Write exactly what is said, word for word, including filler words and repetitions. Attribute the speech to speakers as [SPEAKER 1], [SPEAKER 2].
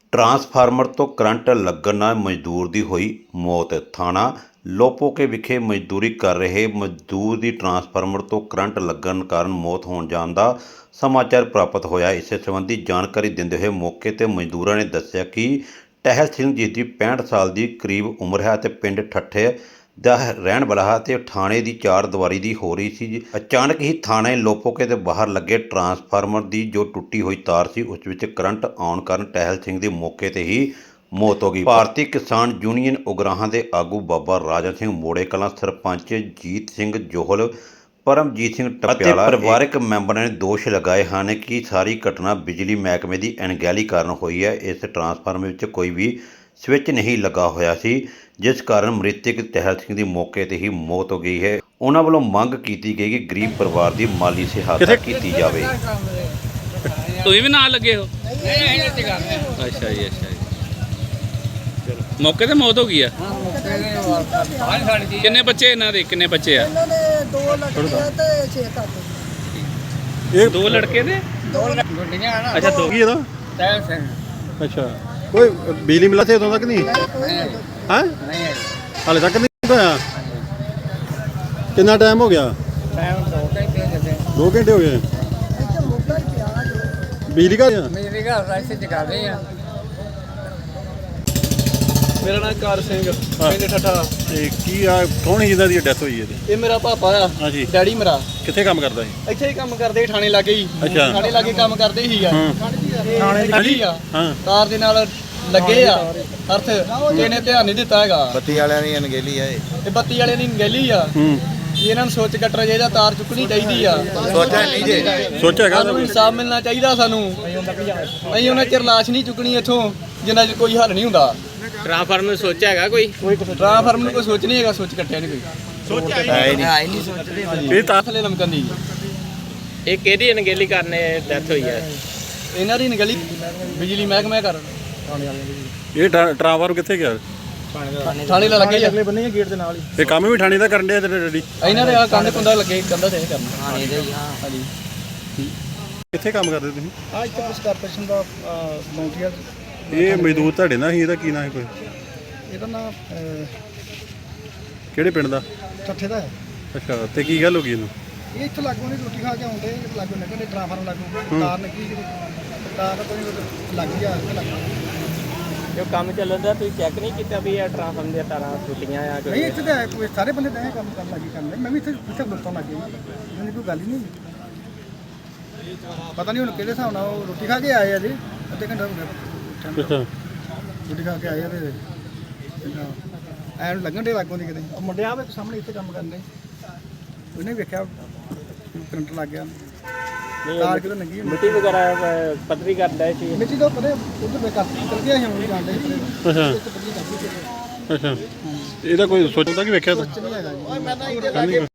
[SPEAKER 1] Transformer ਤੋਂ current ਲੱਗਣ ਨਾਲ ਮਜ਼ਦੂਰ ਦੀ ਹੋਈ ਮੌਤ। ਥਾਣਾ ਲੋਪੋਕੇ ਵਿਖੇ ਮਜ਼ਦੂਰੀ ਕਰ ਰਹੇ ਮਜ਼ਦੂਰ ਦੀ ਟਰਾਂਸਫਾਰਮਰ ਤੋਂ ਕਰੰਟ ਲੱਗਣ ਕਾਰਨ ਮੌਤ ਹੋਣ ਜਾਣ ਦਾ ਸਮਾਚਾਰ ਪ੍ਰਾਪਤ ਹੋਇਆ। ਇਸ ਸੰਬੰਧੀ ਜਾਣਕਾਰੀ ਦਿੰਦੇ ਹੋਏ ਮੌਕੇ 'ਤੇ ਮਜ਼ਦੂਰਾਂ ਨੇ ਦੱਸਿਆ ਕਿ ਟਹਿਲ ਸਿੰਘ ਜਿਸ ਦੀ ਪੈਂਹਠ ਸਾਲ ਦੀ ਕਰੀਬ ਉਮਰ ਹੈ ਅਤੇ ਪਿੰਡ ਠੱਠੇ ਦਾ ਰਹਿਣ ਵਾਲਾ ਹੈ ਅਤੇ ਥਾਣੇ ਦੀ ਚਾਰ ਦੀਵਾਰੀ ਦੀ ਹੋ ਰਹੀ ਸੀ। ਅਚਾਨਕ ਹੀ ਥਾਣੇ ਲੋਪੋਕੇ ਦੇ ਬਾਹਰ ਲੱਗੇ ਟਰਾਂਸਫਾਰਮਰ ਦੀ ਜੋ ਟੁੱਟੀ ਹੋਈ ਤਾਰ ਸੀ ਉਸ ਵਿੱਚ ਕਰੰਟ ਆਉਣ ਕਾਰਨ ਟਹਿਲ ਸਿੰਘ ਦੀ ਮੌਕੇ 'ਤੇ ਹੀ ਮੌਤ ਹੋ ਗਈ। ਭਾਰਤੀ ਕਿਸਾਨ ਯੂਨੀਅਨ ਉਗਰਾਹਾਂ ਦੇ ਆਗੂ ਬਾਬਾ ਰਾਜਾ ਸਿੰਘ ਮੋੜੇ ਕਲਾਂ, ਸਰਪੰਚ ਜੀਤ ਸਿੰਘ ਜੋਹਲ, ਪਰਮਜੀਤ ਸਿੰਘ ਟਪਿਆਲਾ ਅਤੇ ਪਰਿਵਾਰਕ ਮੈਂਬਰਾਂ ਨੇ ਦੋਸ਼ ਲਗਾਏ ਹਨ ਕਿ ਸਾਰੀ ਘਟਨਾ ਬਿਜਲੀ ਮਹਿਕਮੇ ਦੀ ਅਣਗਹਿਲੀ ਕਾਰਨ ਹੋਈ ਹੈ। ਇਸ ਟਰਾਂਸਫਾਰਮਰ ਵਿੱਚ ਕੋਈ ਵੀ ਸਵਿੱਚ ਨਹੀਂ ਲੱਗਾ ਹੋਇਆ ਸੀ, ਜਿਸ ਕਾਰਨ ਮ੍ਰਿਤਕ ਟਹਿਲ ਸਿੰਘ ਦੀ ਮੌਕੇ 'ਤੇ ਹੀ ਮੌਤ ਹੋ ਗਈ ਹੈ। ਉਹਨਾਂ ਵੱਲੋਂ ਮੰਗ ਕੀਤੀ ਗਈ ਕਿ ਗਰੀਬ ਪਰਿਵਾਰ ਦੀ ਮਾਲੀ ਸਹਾਇਤਾ ਕੀਤੀ ਜਾਵੇ।
[SPEAKER 2] ਤੁਸੀਂ ਵੀ ਨਾਲ ਲੱਗੇ ਹੋ? ਅੱਛਾ ਜੀ, ਅੱਛਾ ਜੀ। ਮੌਕੇ ਤੇ ਮੌਤ ਹੋ ਗਈ ਆ। ਕਿੰਨੇ ਬੱਚੇ ਇਹਨਾਂ ਦੇ? ਕਿੰਨੇ ਬੱਚੇ ਆ?
[SPEAKER 3] ਇਹਨਾਂ ਦੇ ਦੋ ਲੜਕੀਆਂ ਤੇ ਛੇ ਕਾਕੇ।
[SPEAKER 2] ਇਹ ਦੋ ਲੜਕੇ ਦੇ
[SPEAKER 3] ਦੋ ਗੁੱਡੀਆਂ ਹਨ।
[SPEAKER 2] ਅੱਛਾ, ਦੋ
[SPEAKER 4] ਕੀ ਇਹਦਾ?
[SPEAKER 3] ਟਹਿਲ ਸਿੰਘ।
[SPEAKER 4] ਅੱਛਾ, ਕੋਈ ਬਿਜਲੀ ਮਿਲਾ ਤੇ ਉਦੋਂ ਤੱਕ ਨਹੀਂ ਹਾਂ?
[SPEAKER 3] ਨਹੀਂ
[SPEAKER 4] ਹਾਲੇ ਤੱਕ ਨਹੀਂ ਹੋਇਆ। ਕਿੰਨਾ ਟਾਈਮ ਹੋ ਗਿਆ?
[SPEAKER 3] ਟਾਈਮ ਦੋ ਘੰਟੇ ਜਿੱਦੇ
[SPEAKER 4] ਦੋ ਘੰਟੇ ਹੋ ਗਏ।
[SPEAKER 3] ਇੱਥੇ ਮੁੱਦਾ ਹੀ ਪਿਆ ਜੋ
[SPEAKER 4] ਬਿਜਲੀ ਘਰ ਆ?
[SPEAKER 3] ਮੇਰੀ ਘਰ ਦਾ ਇੱਥੇ ਜਗਾ ਦੇ ਆ।
[SPEAKER 5] ਮੇਰਾ ਨਾਮ ਕਾਰ ਸਿੰਘ, ਪਿੰਡ ਠੱਠਾ।
[SPEAKER 4] ਤੇ ਕੀ ਆ, ਕੌਣ ਸੀ ਜਿਹਦਾ ਦੀ ਡੈਥ ਹੋਈ ਇਹਦੀ?
[SPEAKER 5] ਇਹ ਮੇਰਾ ਪਾਪਾ ਆ,
[SPEAKER 4] ਹਾਂਜੀ।
[SPEAKER 5] ਡੈਡੀ ਮੇਰਾ
[SPEAKER 4] ਕਿੱਥੇ ਕੰਮ ਕਰਦਾ ਸੀ?
[SPEAKER 5] ਇੱਥੇ ਹੀ ਕੰਮ ਕਰਦੇ ਸੀ, ਥਾਣੇ ਲਾਗੇ ਹੀ।
[SPEAKER 4] ਅੱਛਾ।
[SPEAKER 5] ਥਾਣੇ ਲਾਗੇ ਕੰਮ ਕਰਦੇ ਹੀ ਆ।
[SPEAKER 4] ਹਾਂ।
[SPEAKER 5] ਥਾਣੇ ਲੱਗੀ ਆ,
[SPEAKER 4] ਹਾਂ।
[SPEAKER 5] ਤਾਰ ਦੇ ਨਾਲ ਲੱਗੇ ਆ ਅਰਥ। ਇਹਨੇ ਧਿਆਨ ਨਹੀਂ ਦਿੱਤਾ ਹੈਗਾ।
[SPEAKER 6] ਬੱਤੀ ਵਾਲਿਆਂ ਦੀ ਅਣਗਹਿਲੀ ਆ ਇਹ।
[SPEAKER 5] ਇਹ ਬੱਤੀ ਵਾਲੇ ਦੀ ਗੈਲੀ ਆ।
[SPEAKER 4] ਹੂੰ।
[SPEAKER 5] ਇਹਨਾਂ ਨੂੰ ਸੋਚ ਕੱਟਣਾ ਚਾਹੀਦਾ, ਤਾਰ ਚੁੱਕਣੀ ਚਾਹੀਦੀ ਆ।
[SPEAKER 6] ਸੋਚਿਆ ਨਹੀਂ ਜੇ।
[SPEAKER 4] ਸੋਚਿਆ ਹੈਗਾ
[SPEAKER 5] ਸਾਨੂੰ ਇਨਸਾਫ ਮਿਲਣਾ ਚਾਹੀਦਾ ਸਾਨੂੰ। ਅਸੀਂ ਉਹਨਾਂ ਚਿਰ ਲਾਸ਼ ਨਹੀਂ ਚੁੱਕਣੀ ਇੱਥੋਂ ਜਿੰਨਾ ਚਿਰ ਕੋਈ ਹੱਲ ਨਹੀਂ ਹੁੰਦਾ।
[SPEAKER 2] ਟਰਾਂਸਫਾਰਮਰ ਨੂੰ ਸੋਚਿਆ ਹੈਗਾ ਕੋਈ?
[SPEAKER 5] ਟਰਾਂਸਫਾਰਮਰ ਨੂੰ ਕੋਈ ਸੋਚ ਨਹੀਂ ਹੈਗਾ, ਸੋਚ ਕੱਟਿਆ ਨਹੀਂ ਕੋਈ।
[SPEAKER 6] ਹੈ ਹੀ ਨਹੀਂ।
[SPEAKER 3] ਆਈ ਨਹੀਂ ਸੋਚਦੇ।
[SPEAKER 4] ਇਹ ਤਾਂ
[SPEAKER 5] ਥੱਲੇ ਲਮਕਣ ਦੀ
[SPEAKER 2] ਇਹ ਕਿਹਦੀ ਅਣਗਹਿਲੀ ਕਾਰਨ ਡੈਥ ਹੋਈ ਹੈ?
[SPEAKER 5] ਇਹਨਾਂ ਦੀ ਗਲੀ ਬਿਜਲੀ ਮਹਿਕਮੇ ਕਰ
[SPEAKER 4] ਇਹ ਟਰਾ- ਟਰਾਂਸਫਾਰਮਰ ਕਿੱਥੇ ਗਿਆ?
[SPEAKER 5] ਥਾਣੇ ਲਾ ਲੱਗੇ ਆ।
[SPEAKER 3] ਅਗਲੇ ਬੰਨੇ ਗੇਟ ਦੇ ਨਾਲ ਹੀ।
[SPEAKER 4] ਇਹ ਕੰਮ ਵੀ ਠਾਣੀ ਦਾ ਕਰਨ ਡਿਆ ਤੇਰੇ ਡੈਡੀ?
[SPEAKER 5] ਇਹਨਾਂ ਦੇ ਆ ਕੰਧ ਕੁੰਦਾ ਲੱਗੇ, ਕੰਧਾ ਤੇ ਇਹ ਕਰਨਾ।
[SPEAKER 3] ਥਾਣੇ ਦੇ ਹੀ ਹਾਂ।
[SPEAKER 5] ਹਾਂਜੀ।
[SPEAKER 4] ਕਿੱਥੇ ਕੰਮ ਕਰਦੇ ਤੁਸੀਂ?
[SPEAKER 3] ਆ ਇੱਥੇ ਪੁਲਿਸ ਕਾਰਪੋਰੇਸ਼ਨ ਦਾ ਵਲੰਟੀਅਰ।
[SPEAKER 4] ਇਹ ਮਜ਼ਦੂਰ ਤੁਹਾਡੇ ਨਾਲ ਸੀ, ਇਹਦਾ ਕੀ ਨਾਂ ਹੈ ਕੋਈ?
[SPEAKER 3] ਇਹਦਾ ਨਾਮ
[SPEAKER 4] ਕਿਹੜੇ ਪਿੰਡ ਦਾ?
[SPEAKER 3] ਠੱਠੇ ਦਾ ਹੈ।
[SPEAKER 4] ਅੱਛਾ, ਤੇ ਕੀ ਗੱਲ ਹੋ ਗਈ ਇਹਨੂੰ?
[SPEAKER 3] ਇਹ ਇੱਥੇ ਲਾਗੋਂ ਨਹੀਂ ਰੋਟੀ ਖਾ ਕੇ ਆਉਂਦੇ, ਲਾਗੋਂ ਨਿਕਲਦੇ ਟਰਾਂਸਫਾਰਮਰ ਲਾਗੋਂ ਤਾਰ ਨਿਕਲੀ ਜਿਹੜੀ ਤਾਰ ਤਾਂ ਕੋਈ ਲੱਗ ਗਿਆ ਇੱਥੇ ਲੱਗ
[SPEAKER 2] ਜੋ ਕੰਮ ਚੱਲਦਾ ਤੁਸੀਂ ਚੈੱਕ ਨਹੀਂ ਕੀਤਾ ਵੀ ਇਹ ਟਰਾਂਸਫਾਰਮਰ ਦੀਆਂ ਤਾਰਾਂ ਟੁੱਟੀਆਂ ਆ?
[SPEAKER 3] ਨਹੀਂ ਇੱਥੇ ਤਾਂ ਕੋਈ ਸਾਰੇ ਬੰਦੇ ਤਾਂ ਇਹ ਕੰਮ ਕਰਨ ਲੱਗੀ ਕਰਦੇ। ਮੈਂ ਵੀ ਇੱਥੇ ਇੱਥੇ ਗੁੱਟਾਂ ਲੱਗੇ ਮੈਨੂੰ ਕੋਈ ਗੱਲ ਹੀ ਨਹੀਂ। ਪਤਾ ਨਹੀਂ ਹੁਣ ਕਿਹੜੇ ਹਿਸਾਬ ਨਾਲ ਉਹ ਰੋਟੀ ਖਾ ਕੇ ਆਏ ਆ ਜੀ। ਅੱਧੇ ਘੰਟਾ ਹੋ ਗਿਆ
[SPEAKER 4] ਅੱਛਾ।
[SPEAKER 3] ਰੋਟੀ ਖਾ ਕੇ ਆਏ ਆ ਤੇ ਐਨ ਲੱਗਣ ਦੇ ਲਾਗੋਂ ਦੀ ਕਿਤੇ ਉਹ ਮੁੰਡੇ ਆ ਵੇ ਸਾਹਮਣੇ ਇੱਥੇ ਕੰਮ ਕਰਦੇ ਉਹਨੇ ਵੇਖਿਆ ਕਰੰਟ ਲੱਗ ਗਿਆ। ਤਾਰ ਕਿਤੇ ਲੰਗੀ
[SPEAKER 2] ਮਿੱਟੀ ਵਗੈਰਾ ਪੱਧਰੀ ਕਰਦਾ ਸੀ?
[SPEAKER 3] ਮਿੱਟੀ ਤੋਂ ਪਰੇ ਉਧਰ ਵੇਖਾ ਚਲ ਗਿਆ ਸੀ ਹੁਣ ਜਾਂਦੇ
[SPEAKER 4] ਅੱਛਾ। ਅੱਛਾ, ਇਹਦਾ ਕੋਈ ਸੋਚਦਾ ਕਿ ਵੇਖਿਆ ਤਾਂ
[SPEAKER 3] ਨਹੀਂ ਹੈਗਾ ਜੀ।